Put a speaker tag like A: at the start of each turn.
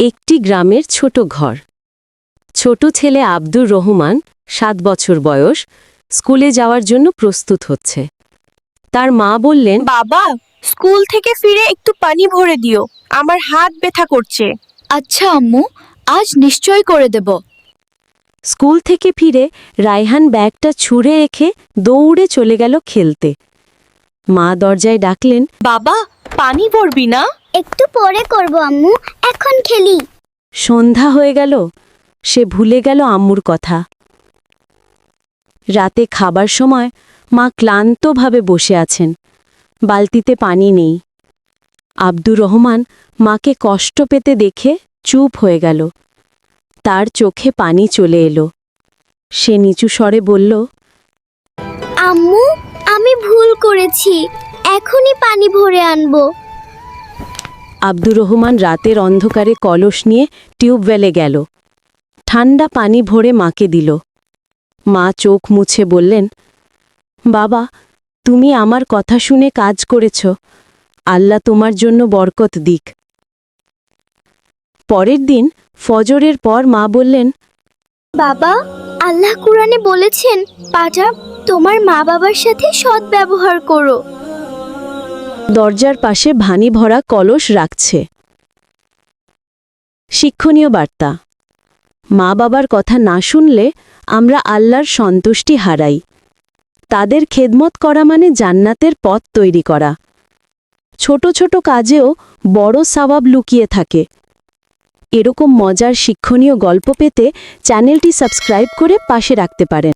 A: একটি গ্রামের ছোট ঘর। ছোট ছেলে আব্দুর রহমান 7 বছর বয়স, স্কুলে যাওয়ার জন্য প্রস্তুত হচ্ছে। তার মা বললেন,
B: বাবা, স্কুল থেকে ফিরে একটু পানি ভরে দিও, আমার হাত ব্যথা করছে।
C: আচ্ছা আম্মু, আজ নিশ্চয় করে দেব।
A: স্কুল থেকে ফিরে রায়হান ব্যাগটা ছুঁড়ে রেখে দৌড়ে চলে গেল খেলতে। মা দরজায় ডাকলেন,
B: বাবা, পানি ভরবি না?
D: একটু পরে করব আম্মু, এখন খেলি।
A: সন্ধ্যা হয়ে গেল, সে ভুলে গেল আম্মুর কথা। রাতে খাবার সময় মা ক্লান্তভাবে বসে আছেন, বালতিতে পানি নেই। আব্দুর রহমান মাকে কষ্ট পেতে দেখে চুপ হয়ে গেল। তার চোখে পানি চলে এলো। সে নিচু স্বরে বলল,
D: আম্মু, আমি ভুল করেছি, এখনই পানি ভরে আনবো।
A: আব্দুর রহমান রাতের অন্ধকারে কলস নিয়ে টিউবওয়েলে গেল। ঠান্ডা পানি ভরে মাকে দিল। মা চোখ মুছে বললেন, বাবা, তুমি আমার কথা শুনে কাজ করেছ, আল্লাহ তোমার জন্য বরকত দিক। পরের দিন ফজরের পর মা বললেন,
D: বাবা, আল্লাহ কুরআনে বলেছেন, পাঠাব তোমার মা বাবার সাথে সৎ ব্যবহার করো।
A: দরজার পাশে ভানি ভরা কলস রাখছে। শিক্ষণীয় বার্তা: মা বাবার কথা না শুনলে আমরা আল্লাহর সন্তুষ্টি হারাই। তাদের খেদমত করা মানে জান্নাতের পথ তৈরি করা। ছোট ছোট কাজেও বড় সওয়াব লুকিয়ে থাকে। এরকম মজার শিক্ষণীয় গল্প পেতে চ্যানেলটি সাবস্ক্রাইব করে পাশে রাখতে পারেন।